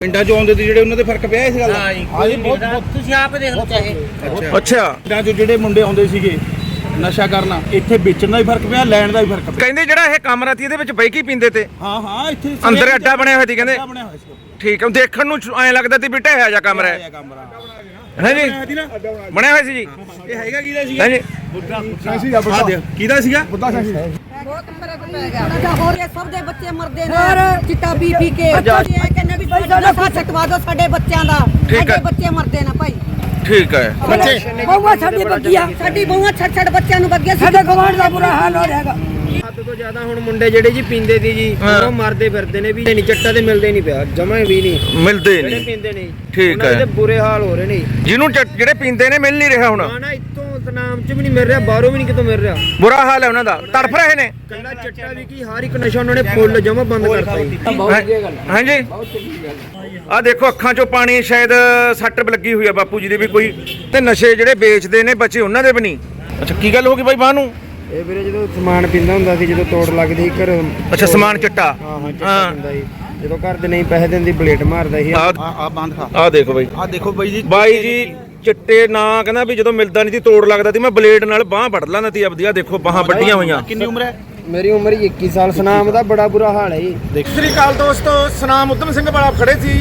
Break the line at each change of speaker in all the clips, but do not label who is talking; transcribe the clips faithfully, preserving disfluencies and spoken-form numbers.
ਪਿੰਡਾਂ ਚੋਂ ਆਉਂਦੇ ਤੇ ਜਿਹੜੇ ਉਹਨਾਂ ਦੇ ਫਰਕ ਪਿਆ ਇਸ ਗੱਲ ਦਾ।
ਹਾਂ ਜੀ ਕੋਈ ਬਹੁਤ ਤੁਸੀਂ ਆਪ ਦੇਖ ਲਓ ਚਾਹੇ।
ਅੱਛਾ ਅੱਛਾ ਪਿੰਡਾਂ ਚੋਂ ਜਿਹੜੇ ਮੁੰਡੇ ਆਉਂਦੇ ਸੀਗੇ ਨਸ਼ਾ ਕਰਨਾ, ਇੱਥੇ ਵੇਚਣ ਦਾ ਵੀ ਫਰਕ ਪਿਆ, ਲੈਣ ਦਾ ਵੀ ਫਰਕ ਪਿਆ।
ਕਹਿੰਦੇ ਜਿਹੜਾ ਇਹ ਕਮਰਾ ਸੀ ਇਹਦੇ ਵਿੱਚ ਬਹਿ ਕੇ ਪੀਂਦੇ ਤੇ।
ਹਾਂ ਹਾਂ ਇੱਥੇ
ਅੰਦਰ ਅੱਡਾ ਬਣਿਆ ਹੋਇਆ ਸੀ ਕਹਿੰਦੇ।
ਅੱਡਾ ਬਣਿਆ ਹੋਇਆ ਸੀ।
ਠੀਕ ਹੈ, ਦੇਖਣ ਨੂੰ ਐਂ ਲੱਗਦਾ ਸੀ ਵੀ ਢਹਿਆ ਜਾ ਕਮਰਾ ਹੈ।
ਕਮਰਾ
ਹੈ ਜੀ ਬਣਿਆ ਹੋਇਆ ਸੀ ਜੀ।
ਇਹ ਹੈਗਾ ਕਿਹਦਾ ਸੀਗਾ?
ਹੈ ਜੀ
ਸਾਂਸੀ ਦਾ ਬੁੱਢਾ ਕਿਹਦਾ ਸੀਗਾ? ਬੁੱਢਾ ਸਾਂਸੀ।
ਬਹੁਤ ਫਰਕ ਪੈ ਗਿਆ। ਹੋਰ ਇਹ ਸਭ ਦੇ ਬੱਚੇ ਮਰਦੇ ਨੇ ਚਿੱਟਾ ਪੀ ਪੀ ਕੇ। ਬੱਚੇ ਇਹ ਕਹਿੰਦੇ ਵੀ ਨਸ਼ਾ ਛਕਵਾ ਦਿਓ ਸਾਡੇ ਬੱਚਿਆਂ ਦਾ। ਸਾਡੇ ਬੱਚੇ ਮਰਦੇ ਨੇ ਭਾਈ।
ਠੀਕ ਹੈ।
ਬੱਚੇ ਬਹੂਆਂ ਸਾਡੀ ਬੱਗੀਆਂ ਸਾਡੀ ਬਹੂਆਂ ਛੱਡ ਛੱਡ ਬੱਚਿਆਂ ਨੂੰ ਬੱਗੀਆਂ ਸਾਡੇ ਗਵਾਂਢ ਦਾ ਬੁਰਾ ਹਾਲ ਹੋ ਰਿਹਾਗਾ।
ਹੱਦ ਤੋਂ ਜ਼ਿਆਦਾ ਹੁਣ ਮੁੰਡੇ ਜਿਹੜੇ ਜੀ ਪੀਂਦੇ ਸੀ ਜੀ ਉਹ ਮਰਦੇ ਫਿਰਦੇ ਨੇ ਵੀ ਨਹੀਂ, ਚੱਟਾ ਤੇ ਮਿਲਦੇ ਨਹੀਂ ਪਿਆ ਜਮਾਂ ਵੀ ਨਹੀਂ
ਮਿਲਦੇ
ਜਿਹੜੇ
ਨਹੀਂ।
ਪੀਂਦੇ ਨੇ
ਠੀਕ
ਉਹਨਾਂ ਦੇ
ਹੈ।
ਬੁਰੇ ਹਾਲ ਹੋ ਰਹੇ ਨੇ
ਜਿਹਨੂੰ ਚ- ਜਿਹੜੇ ਪੀਂਦੇ ਨੇ ਮਿਲ ਨਹੀਂ ਰਿਹਾ ਹੁਣ।
ਨਾ ਨਾ ਇੱਥੋਂ ਤਨਾਮ ਚ ਵੀ ਨਹੀਂ ਮਿਲ ਰਿਹਾ, ਬਾਹਰੋਂ ਵੀ ਨਹੀਂ ਕਿਤੋਂ ਮਿਲ ਰਿਹਾ।
ਬੁਰਾ ਹਾਲ ਹੈ ਉਹਨਾਂ ਦਾ, ਤੜਫ ਰਹੇ ਨੇ।
ਕੱਲਾ ਚੱਟਾ ਵੀ ਕੀ ਹਰ ਇੱਕ ਨਸ਼ਾ ਉਹਨਾਂ ਨੇ ਫੁੱਲ ਜਮਾਂ ਬੰਦ ਕਰਤਾ ਜੀ।
ਹਾਂਜੀ ਆ ਦੇਖੋ ਅੱਖਾਂ ਚੋਂ ਪਾਣੀ, ਸ਼ਾਇਦ ਸੱਟ ਲੱਗੀ ਹੋਈ ਆ ਬਾਪੂ ਜੀ ਦੇ ਵੀ ਕੋਈ। ਤੇ ਨਸ਼ੇ ਜਿਹੜੇ ਵੇਚਦੇ ਨੇ ਬੱਚੇ ਉਹਨਾਂ ਦੇ ਵੀ ਨਹੀਂ। ਅੱਛਾ ਕੀ ਗੱਲ ਹੋ ਗਈ ਬਾਈ ਬਾਹ ਨੂੰ?
ਇਹ ਵੀਰੇ ਜਦੋਂ ਸਮਾਨ ਪੀਂਦਾ ਹੁੰਦਾ ਸੀ, ਜਦੋਂ ਤੋੜ ਲੱਗਦੀ ਸੀ ਘਰ।
ਅੱਛਾ ਸਮਾਨ ਚਿੱਟਾ।
ਹਾਂ ਹਾਂ ਚੱਟਾ ਪੀਂਦਾ ਸੀ। ਜਦੋਂ ਘਰ ਦੇ ਨਹੀਂ ਪੈਸੇ ਦਿੰਦੀ ਬਲੇਟ ਮਾਰਦਾ ਸੀ।
ਆ
ਆ ਬੰਦ ਖਾ।
ਆ ਦੇਖੋ ਬਾਈ,
ਆ ਦੇਖੋ ਬਾਈ ਜੀ।
ਬਾਈ ਜੀ ਚਿੱਟੇ ਨਾ ਕਹਿੰਦਾ ਵੀ ਜਦੋਂ ਮਿਲਦਾ ਨਹੀਂ ਸੀ ਤੋੜ ਲੱਗਦਾ ਸੀ, ਮੈਂ ਬਲੇਡ ਨਾਲ ਬਾਹ ਵੱਢ ਲੈਂਦਾ ਸੀ ਆਪਦੀ। ਆ ਦੇਖੋ ਬਾਹਾਂ ਵੱਡੀਆਂ ਹੋਈਆਂ।
ਕਿੰਨੀ ਉਮਰ ਹੈ?
ਮੇਰੀ ਉਮਰ ਹੀ ਇੱਕੀ ਸਾਲ। ਸਨਾਮ ਦਾ ਬੜਾ ਬੁਰਾ ਹਾਲ ਹੈ ਜੀ।
ਸਤਿ ਸ੍ਰੀ ਅਕਾਲ ਦੋਸਤੋ, ਸਨਾਮ ਉਦਮ ਸਿੰਘ ਵਾਲਾ ਖੜੇ ਸੀ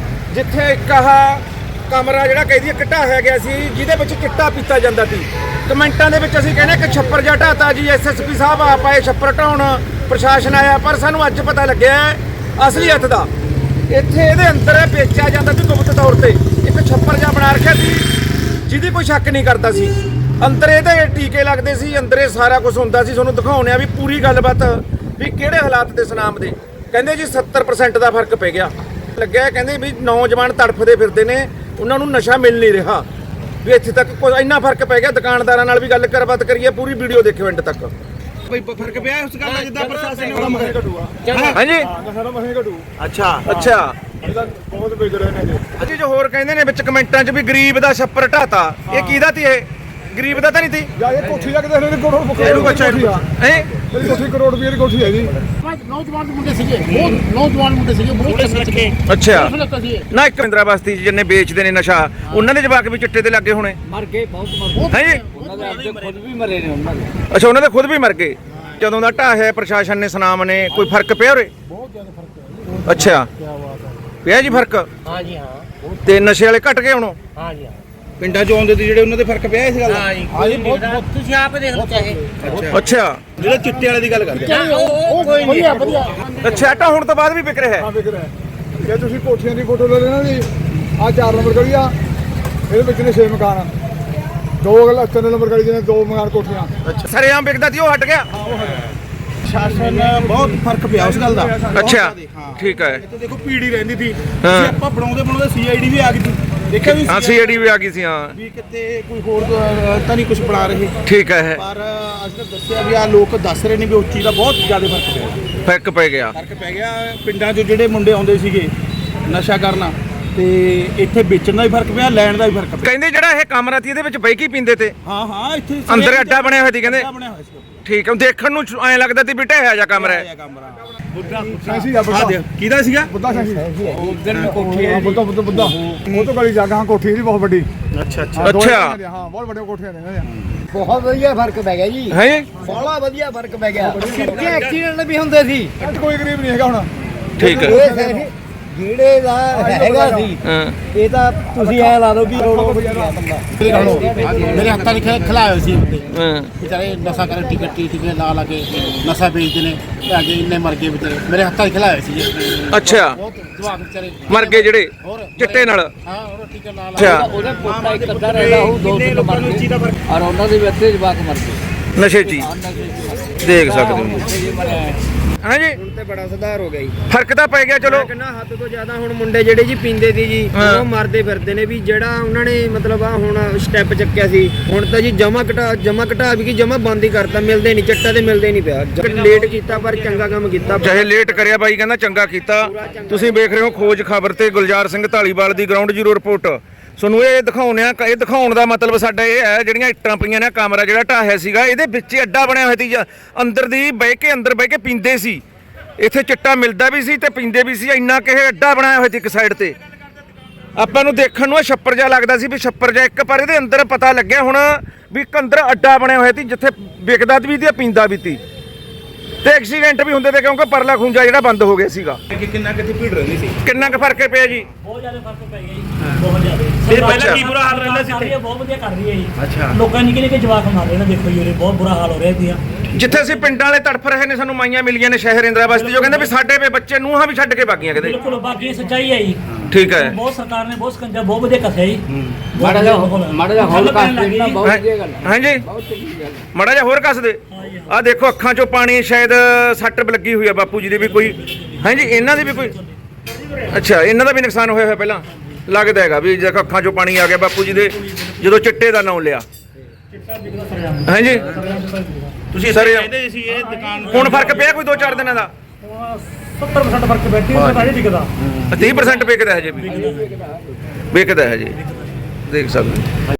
ਜਿੱਥੇ ਇੱਕ ਆਹ ਕਮਰਾ ਜਿਹੜਾ ਕਹਿੰਦੀ ਘਟਾਇਆ ਗਿਆ ਸੀ ਜਿਹਦੇ ਵਿੱਚ ਚਿੱਟਾ ਪੀਤਾ ਜਾਂਦਾ ਸੀ। ਕਮੈਂਟਾਂ ਦੇ ਵਿੱਚ ਅਸੀਂ ਕਹਿੰਦੇ ਕਿ ਛੱਪਰ ਜਿਹਾ ਢਾਤਾ ਜੀ, ਐਸਐਸਪੀ ਸਾਹਿਬ ਆ ਪਾਏ ਛੱਪਰ ਢਾਉਣ, ਪ੍ਰਸ਼ਾਸਨ ਆਇਆ, ਪਰ ਸਾਨੂੰ ਅੱਜ ਪਤਾ ਲੱਗਿਆ ਅਸਲੀਅਤ ਦਾ। ਇੱਥੇ ਇਹਦੇ ਅੰਦਰ ਵੇਚਿਆ ਜਾਂਦਾ ਸੀ ਗੁਪਤ ਤੌਰ ਤੇ। ਇੱਕ ਛੱਪਰ ਜਿਹਾ ਬਣਾ ਰੱਖਿਆ ਸੀ ਜਿਹਦੀ ਕੋਈ ਸ਼ੱਕ ਨਹੀਂ ਕਰਦਾ ਸੀ। ਅੰਦਰ ਇਹਦੇ ਟੀਕੇ ਲੱਗਦੇ ਸੀ, ਅੰਦਰ ਇਹ ਸਾਰਾ ਕੁਝ ਹੁੰਦਾ ਸੀ। ਤੁਹਾਨੂੰ ਦਿਖਾਉਣੇ ਆ ਵੀ ਪੂਰੀ ਗੱਲਬਾਤ ਵੀ ਕਿਹੜੇ ਹਾਲਾਤ ਦੇ ਸਨਾਮ ਦੇ। ਕਹਿੰਦੇ ਜੀ ਸੱਤਰ ਪਰਸੈਂਟ ਦਾ ਫਰਕ ਪੈ ਗਿਆ। ਲੱਗਿਆ ਕਹਿੰਦੇ ਵੀ ਨੌਜਵਾਨ ਤੜਫਦੇ ਫਿਰਦੇ ਨੇ, ਉਹਨਾਂ ਨੂੰ ਨਸ਼ਾ ਮਿਲ ਨਹੀਂ ਰਿਹਾ। ਵੀ ਇੱਥੇ ਤੱਕ ਕੋਈ ਇੰਨਾ ਫਰਕ ਪੈ ਗਿਆ। ਦੁਕਾਨਦਾਰਾਂ ਨਾਲ ਵੀ ਗੱਲ ਕਰਬਾਤ ਕਰੀਏ, ਪੂਰੀ ਵੀਡੀਓ ਦੇਖਿਓ ਐਂਡ ਤੱਕ।
ਬਈ ਫਰਕ ਪਿਆ ਉਸ ਗੱਲ ਦਾ ਜਿੱਦਾਂ ਪ੍ਰਸ਼ਾਸਨ ਨੇ ਕੰਮ ਘਟੂਗਾ।
ਹਾਂਜੀ
ਸਾਡਾ ਮਸੇ ਘਟੂ।
ਅੱਛਾ ਅੱਛਾ
ਇਹਦਾ ਬਹੁਤ ਵਿਗ ਰਹੇ ਨੇ ਜੀ।
ਅੱਛਾ ਜੋ ਹੋਰ ਕਹਿੰਦੇ ਨੇ ਵਿੱਚ ਕਮੈਂਟਾਂ 'ਚ ਵੀ ਗਰੀਬ ਦਾ ਛੱਪਰ ਢਾਤਾ। ਇਹ ਕਿਹਦਾ ਤੀ? ਇਹ ਗਰੀਬ ਦਾ ਤਾਂ ਨਹੀਂ ਤੀ।
ਜਾ ਇਹ ਕੋਠੀ ਜਾ ਕੇ ਦੇਖ ਲੈ ਕਰੋੜ ਰੁਪਏ
ਇਹਨੂੰ ਬੱਚਾ ਹੈ
ਇਹ ਕੋਠੀ ਕਰੋੜ ਰੁਪਏ ਦੀ ਕੋਠੀ ਹੈ ਜੀ।
ਨੌਜਵਾਨ ਮੁੰਡੇ ਸੀਗੇ, ਬਹੁਤ ਨੌਜਵਾਨ ਮੁੰਡੇ ਸੀਗੇ, ਬਹੁਤ ਚੰਗੇ।
ਅੱਛਾ
ਲੱਗਾ ਸੀ ਇਹ।
ਨਾ ਇੱਕ ਇੰਦਰਾ ਬਸਤੀ 'ਚ ਜਿੰਨੇ ਵੇਚਦੇ ਨੇ ਨਸ਼ਾ, ਉਹਨਾਂ ਦੇ ਜਵਾਕ ਵੀ ਚਿੱਟੇ ਤੇ ਲੱਗੇ ਹੋਣੇ।
ਮਰ ਗਏ, ਬਹੁਤ ਮਰ ਗਏ।
ਹੈ ਜੀ
ਉਹਨਾਂ ਦੇ ਆਪਦੇ ਖੁਦ ਵੀ ਮਰੇ ਨੇ ਉਹਨਾਂ ਦੇ।
ਅੱਛਾ ਉਹਨਾਂ ਦੇ ਖੁਦ ਵੀ ਮਰ ਗਏ। ਜਦੋਂ ਦਾ ਢਾਹਿਆ ਪ੍ਰਸ਼ਾਸਨ ਨੇ, ਸਨਾਮ ਨੇ, ਕੋਈ ਫਰਕ ਪਿਆ ਉਰੇ?
ਬਹੁਤ ਜ਼ਿਆਦਾ ਫਰਕ ਹੈ।
ਅੱਛਾ ਪਿਆ ਜੀ ਫਰਕ?
ਹਾਂ ਜੀ ਹਾਂ।
ਤੇ ਨਸ਼ੇ ਵਾਲੇ ਘਟ ਗਏ ਹੁਣ?
ਹਾਂ ਜੀ ਹਾਂ।
ਪਿੰਡਾਂ ਚੋਂ ਆਉਂਦੇ ਤੇ ਜਿਹੜੇ ਉਹਨਾਂ ਦੇ ਫਰਕ ਪਿਆ ਇਸ ਗੱਲ ਦਾ।
ਹਾਂ ਜੀ ਕੋਈ ਬਹੁਤ ਤੁਸੀਂ ਆਪ ਦੇਖ ਲਓ ਚਾਹੇ।
ਅੱਛਾ
ਜਿਹੜਾ ਚਿੱਟੇ ਵਾਲੇ ਦੀ ਗੱਲ ਕਰਦੇ ਆ।
ਉਹ ਕੋਈ ਵਧੀਆ ਵਧੀਆ।
ਅੱਛਾ ਤਾਂ ਹੁਣ ਤੋਂ ਬਾਅਦ ਵੀ ਵਿਕ ਰਿਹਾ ਹੈ?
ਹਾਂ ਵਿਕ ਰਿਹਾ। ਜੇ ਤੁਸੀਂ ਕੋਠੀਆਂ ਦੀ ਫੋਟੋ ਲੈ ਲੈਣਾ ਜੀ, ਆ ਚਾਰ ਨੰਬਰ ਗਲੀ ਆ, ਇਹਦੇ ਵਿੱਚ ਨੇ ਛੇ ਮਕਾਨ ਆ। ਦੋ ਗੱਲ ਤਿੰਨ ਨੰਬਰ ਗਲੀ ਦੇ ਨੇ ਦੋ ਮਕਾਨ ਕੋਠੀਆਂ।
ਅੱਛਾ ਸਰੇਆਮ ਵਿਕਦਾ ਸੀ, ਉਹ ਹਟ ਗਿਆ?
ਸ਼ਾਸਨ ਬਹੁਤ ਫਰਕ ਪਿਆ ਉਸ ਗੱਲ ਦਾ।
ਅੱਛਾ ਠੀਕ ਹੈ।
ਇੱਥੇ ਦੇਖੋ ਪੀੜੀ ਰਹਿੰਦੀ ਸੀ।
ਹਾਂ।
ਅਸੀਂ ਆਪਾਂ ਬਣਾਉਂਦੇ ਬਣਾਉਂਦੇ ਸੀਆਈਡੀ ਵੀ ਆ ਗਈ ਸੀ। ਦੇਖਿਆ ਵੀ
ਹਾਂ ਸੀਆਈਡੀ ਵੀ ਆ ਗਈ ਸੀ। ਹਾਂ
ਵੀ ਕਿਤੇ ਕੋਈ ਹੋਰ ਅਹ, ਤਾਂ ਨਹੀਂ ਕੁਝ ਬਣਾ ਰਹੇ।
ਠੀਕ ਹੈ।
ਪਰ ਅੱਜ ਤਾਂ ਦੱਸਿਆ ਵੀ ਆ ਲੋਕ ਦੱਸ ਰਹੇ ਨੇ ਵੀ ਉਸ ਚੀਜ਼ ਦਾ ਬਹੁਤ ਜ਼ਿਆਦਾ ਫਰਕ ਪਿਆ।
ਫਰਕ ਪੈ ਗਿਆ।
ਫਰਕ ਪੈ ਗਿਆ। ਪਿੰਡਾਂ 'ਚੋਂ ਜਿਹੜੇ ਮੁੰਡੇ ਆਉਂਦੇ ਸੀਗੇ ਨਸ਼ਾ ਕਰਨਾ, ਤੇ ਇੱਥੇ ਵੇਚਣ ਦਾ ਵੀ ਫਰਕ ਪਿਆ, ਲੈਣ ਦਾ ਵੀ ਫਰਕ ਪਿਆ।
ਕਹਿੰਦੇ ਜਿਹੜਾ ਇਹ ਕਮਰਾ ਸੀ ਇਹਦੇ ਵਿੱਚ ਬਹਿ ਕੇ ਪੀਂਦੇ ਤੇ।
ਹਾਂ ਹਾਂ ਇੱਥੇ
ਅੰਦਰ ਅੱਡਾ ਬਣਿਆ ਹੋਇਆ ਸੀ ਕਹਿੰਦੇ।
ਅੱਡਾ ਬਣਿਆ ਹੋਇਆ ਸੀ।
ਠੀਕ ਹੈ, ਦੇਖਣ ਨੂੰ ਐਂ ਲੱਗਦਾ ਸੀ ਵੀ ਢਹਿਆ ਜਾ ਕਮਰਾ ਹੈ।
ਬੁੱਢਾ ਸਾਂਸੀ ਦਾ ਬੁੱਢਾ ਕਿਹਦਾ ਸੀਗਾ? ਬੁੱਢਾ ਸਾਂਸੀ। ਉਧਰ ਕੋਠੀ ਹੈ ਬੁੱਢਾ ਬੁੱਢਾ ਬੁੱਢਾ ਉਹ ਤੋਂ ਗਲੀ ਜਗ੍ਹਾ ਕੋਠੀ ਇਹਦੀ ਬਹੁਤ ਵੱਡੀ। ਅੱਛਾ ਅੱਛਾ
ਅੱਛਾ
ਹਾਂ ਬਹੁਤ ਵੱਡੀਆਂ ਕੋਠੀਆਂ ਨੇ।
ਬਹੁਤ ਵਧੀਆ ਫਰਕ ਪੈ ਗਿਆ ਜੀ।
ਹੈ ਜੀ
ਬੜਾ ਵਧੀਆ ਫਰਕ ਪੈ ਗਿਆ। ਕਿੰਨੇ ਐਕਸੀਡੈਂਟ ਵੀ ਹੁੰਦੇ ਸੀ।
ਅੱਜ ਕੋਈ ਗਰੀਬ ਨਹੀਂ ਹੈਗਾ ਹੁਣ।
ਠੀਕ ਹੈ।
ਇਹ ਜਿਹੜੇ ਦਾ ਹੈਗਾ ਸੀ
ਹਾਂ
ਇਹ ਤਾਂ ਤੁਸੀਂ ਐ ਲਾ ਲਓ ਵੀ ਰੋੜੋ ਬੰਦਾ।
ਮੇਰੇ ਹੱਥਾਂ 'ਚ ਖਿਲਾਏ ਸੀ ਮੁੰਡੇ
ਹਾਂ
ਵਿਚਾਰੇ ਨਸ਼ਾ ਕਰ ਟਿਕਟ ਟਿਕਟ ਲਾ ਲਾ ਕੇ ਨਸ਼ਾ ਵੇਚਦੇ ਨੇ ਤੇ ਅੱਗੇ ਇੰਨੇ ਮਰ ਗਏ ਵਿਚਾਰੇ। ਮੇਰੇ ਹੱਥਾਂ 'ਚ ਖਿਲਾਏ ਸੀ ਜੀ।
ਅੱਛਾ
ਬਹੁਤ ਜਵਾਕ ਵਿਚਾਰੇ
ਮਰ ਗਏ ਜਿਹੜੇ ਚਿੱਟੇ ਨਾਲ।
ਹਾਂ ਉਹ ਟਿਕਟ ਲਾ ਲਾ
ਅੱਛਾ
ਉਹਦਾ ਪੋਤਾ ਇੱਕ ਅੱਧਾ ਰਹਿੰਦਾ ਉਹ ਦੋ ਤਿੰਨ ਮਰ ਗਏ ਔਰ ਉਹਨਾਂ ਦੇ ਵਿੱਚ ਜਵਾਕ ਮਰ ਗਏ।
ਨਸ਼ੇ 'ਚ ਹੀ ਦੇਖ ਸਕਦੇ ਹੋ ਜੀ। ਹਾਂ ਜੀ
ਹੁਣ ਤੇ ਬੜਾ ਸੁਧਾਰ ਹੋ ਗਿਆ ਜੀ।
ਫਰਕ ਤਾਂ ਪੈ ਗਿਆ ਚਲੋ।
ਕਿੰਨਾ ਹੱਦ ਤੋਂ ਜ਼ਿਆਦਾ ਹੁਣ ਮੁੰਡੇ ਜਿਹੜੇ ਜੀ ਪੀਂਦੇ ਸੀ ਜੀ
ਹਾਂ।
ਉਹ ਮਰਦੇ ਫਿਰਦੇ ਨੇ। ਵੀ ਜਿਹੜਾ ਉਹਨਾਂ ਨੇ ਮਤਲਬ ਆ ਹੁਣ ਸਟੈਪ ਚੱਕਿਆ ਸੀ, ਹੁਣ ਤਾਂ ਜੀ ਜਮਾ ਘਟਾ ਜਮਾ ਘਟਾ ਵੀ ਕੀ ਜਮਾ ਬੰਦ ਹੀ ਕਰਤਾ। ਮਿਲਦੇ ਨਹੀਂ ਚੱਟਾ ਤੇ ਮਿਲਦੇ ਨਹੀਂ ਪਿਆ। ਲੇਟ ਕੀਤਾ ਪਰ ਚੰਗਾ ਕੰਮ ਕੀਤਾ।
ਚਾਹੇ ਲੇਟ ਕਰਿਆ ਬਾਈ ਕਹਿੰਦਾ ਚੰਗਾ ਕੀਤਾ। ਤੁਸੀਂ ਵੇਖ ਰਹੇ ਹੋ ਖੋਜ ਖਬਰ ਤੇ ਗੁਲਜ਼ਾਰ ਸਿੰਘ ਢਾਲੀਵਾਲ ਦੀ ਗਰਾਊਂਡ ਜ਼ੀਰੋ ਰਿਪੋਰਟ। ਤੁਹਾਨੂੰ ਇਹ ਦਿਖਾਉਣੇ ਆ। ਇਹ ਦਿਖਾਉਣ ਦਾ ਮਤਲਬ ਸਾਡਾ ਇਹ ਹੈ ਜਿਹੜੀਆਂ ਇੱਟਾਂ ਪਈਆਂ ਨੇ, ਕਮਰਾ ਜਿਹੜਾ ਢਾਹਿਆ ਸੀਗਾ ਇਹਦੇ ਵਿੱਚ ਅੱਡਾ ਬਣਿਆ ਹੋਇਆ ਸੀ। ਅੰਦਰ ਦੀ ਬਹਿ ਕੇ ਅੰਦਰ ਬਹਿ ਕੇ ਪੀਂਦੇ ਸੀ। ਇੱਥੇ ਚਿੱਟਾ ਮਿਲਦਾ ਵੀ ਸੀ ਤੇ ਪੀਂਦੇ ਵੀ ਸੀ। ਇੰਨਾ ਕਿ ਇਹ ਅੱਡਾ ਬਣਾਇਆ ਹੋਇਆ ਸੀ ਇੱਕ ਸਾਈਡ ਤੇ, ਆਪਾਂ ਨੂੰ ਦੇਖਣ ਨੂੰ ਇਹ ਛੱਪਰ ਜਿਹਾ ਲੱਗਦਾ ਸੀ ਵੀ ਛੱਪਰ ਜਿਹਾ ਇੱਕ, ਪਰ ਇਹਦੇ ਅੰਦਰ ਪਤਾ ਲੱਗਿਆ ਹੁਣ ਵੀ ਇੱਕ ਅੰਦਰ ਅੱਡਾ ਬਣਿਆ ਹੋਇਆ ਸੀ ਜਿੱਥੇ ਵਿਕਦਾ ਵੀ ਤੇ ਪੀਂਦਾ ਵੀ ਸੀ ਤੇ ਐਕਸੀਡੈਂਟ ਵੀ ਹੁੰਦੇ ਤੇ ਕਿਉਂਕਿ ਪਰਲਾ ਖੂੰਜਾ ਜਿਹੜਾ ਬੰਦ ਹੋ ਗਿਆ ਸੀਗਾ।
ਕਿੰਨਾ ਕਿੱਥੇ ਭੀੜ ਰਹਿੰਦੀ ਸੀ?
ਕਿੰਨਾ ਕੁ ਫਰਕ ਪਿਆ ਜੀ?
ਬਹੁਤ ਜ਼ਿਆਦਾ ਫਰਕ ਪੈ ਗਿਆ ਜੀ, ਬਹੁਤ ਜ਼ਿਆਦਾ।
ਤੇ ਪਹਿਲਾਂ ਕੀ ਬੁਰਾ ਹਾਲ ਰਹਿੰਦਾ ਸੀ ਇੱਥੇ?
ਬਹੁਤ ਵਧੀਆ ਕਰ ਰਹੀ ਹੈ ਜੀ।
ਅੱਛਾ।
ਲੋਕਾਂ ਨਿੱਕੇ ਨਿੱਕੇ ਜਵਾਕ ਮਾਰ ਰਹੇ ਨੇ, ਦੇਖੋ ਜੀ ਉਰੇ ਬਹੁਤ ਬੁਰਾ ਹਾਲ ਹੋ ਰਿਹਾ ਇਹਦੀਆਂ।
ਜਿੱਥੇ ਅਸੀਂ ਪਿੰਡਾਂ ਵਾਲੇ ਤੜਫ ਰਹੇ ਨੇ, ਸਾਨੂੰ ਮਾਈਆਂ ਮਿਲੀਆਂ ਨੇ ਸ਼ਹਿਰ ਇੰਦਰਾਬਾਦ ਦੀ, ਜੋ ਕਹਿੰਦੇ ਵੀ ਸਾਡੇ ਵੇ ਬੱਚੇ ਨੂੰਹਾਂ ਵੀ ਛੱਡ ਕੇ ਬਾਗੀਆਂ ਕਿਤੇ।
ਬਿਲਕੁਲ, ਬਾਕੀ ਇਹ ਸੱਚਾਈ ਹੈ ਜੀ।
ਠੀਕ ਹੈ।
ਬਹੁਤ ਸਰਕਾਰ ਨੇ ਬਹੁਤ ਸਕੰਜਾ ਬਹੁਤ ਵਧੀਆ ਕੱਸਿਆ ਜੀ।
ਮਾੜਾ ਜਿਹਾ ਮਾੜਾ ਜਿਹਾ ਹੌਲ ਕਾਸਟ ਦੇਣਾ ਬਹੁਤ ਵਧੀਆ ਗੱਲ ਹੈ।
ਹਾਂਜੀ,
ਬਹੁਤ ਚੰਗੀ ਗੱਲ ਹੈ।
ਮਾੜਾ ਜਿਹਾ ਹੋਰ ਕੱਸ ਦੇ। ਆਹ ਦੇਖੋ ਅੱਖਾਂ ਚੋਂ ਪਾਣੀ, ਸ਼ਾਇਦ ਸੱਟ ਲੱਗੀ ਹੋਈ ਆ ਬਾਪੂ ਜੀ ਦੀ ਵੀ ਕੋਈ। ਹਾਂਜੀ, ਇਹਨਾਂ ਦੀ ਵੀ ਕੋਈ। ਅੱਛਾ, ਇਹਨਾਂ ਦਾ ਵੀ ਨੁਕਸਾਨ ਹੋਇਆ ਹੋਇਆ ਪਹਿਲਾਂ ਲੱਗਦਾ ਹੈਗਾ ਵੀ ਜੇ ਅੱਖਾਂ ਚੋਂ ਪਾਣੀ ਆ ਗਿਆ ਬਾਪੂ ਜੀ ਦੇ ਜਦੋਂ ਚਿੱਟੇ ਦਾ ਨਾਮ ਲਿਆ। ਹਾਂਜੀ,
ਤੁਸੀਂ
ਸਰ
ਕਹਿੰਦੇ ਸੀ ਇਹ ਦੁਕਾਨ
ਹੁਣ ਫਰਕ ਪਿਆ ਕੋਈ ਦੋ ਚਾਰ ਦਿਨਾਂ ਦਾ?
ਸੱਤਰ ਪਰਸੈਂਟ ਫਰਕ ਬੈਠੀ ਹੈ, ਤਾਂ ਇਹ ਦਿਖਦਾ।
ਤੀਹ ਪਰਸੈਂਟ ਵਿਕਦਾ ਹਜੇ ਵੀ, ਵਿਕਦਾ ਹਜੇ, ਦੇਖ ਸਕਦੇ।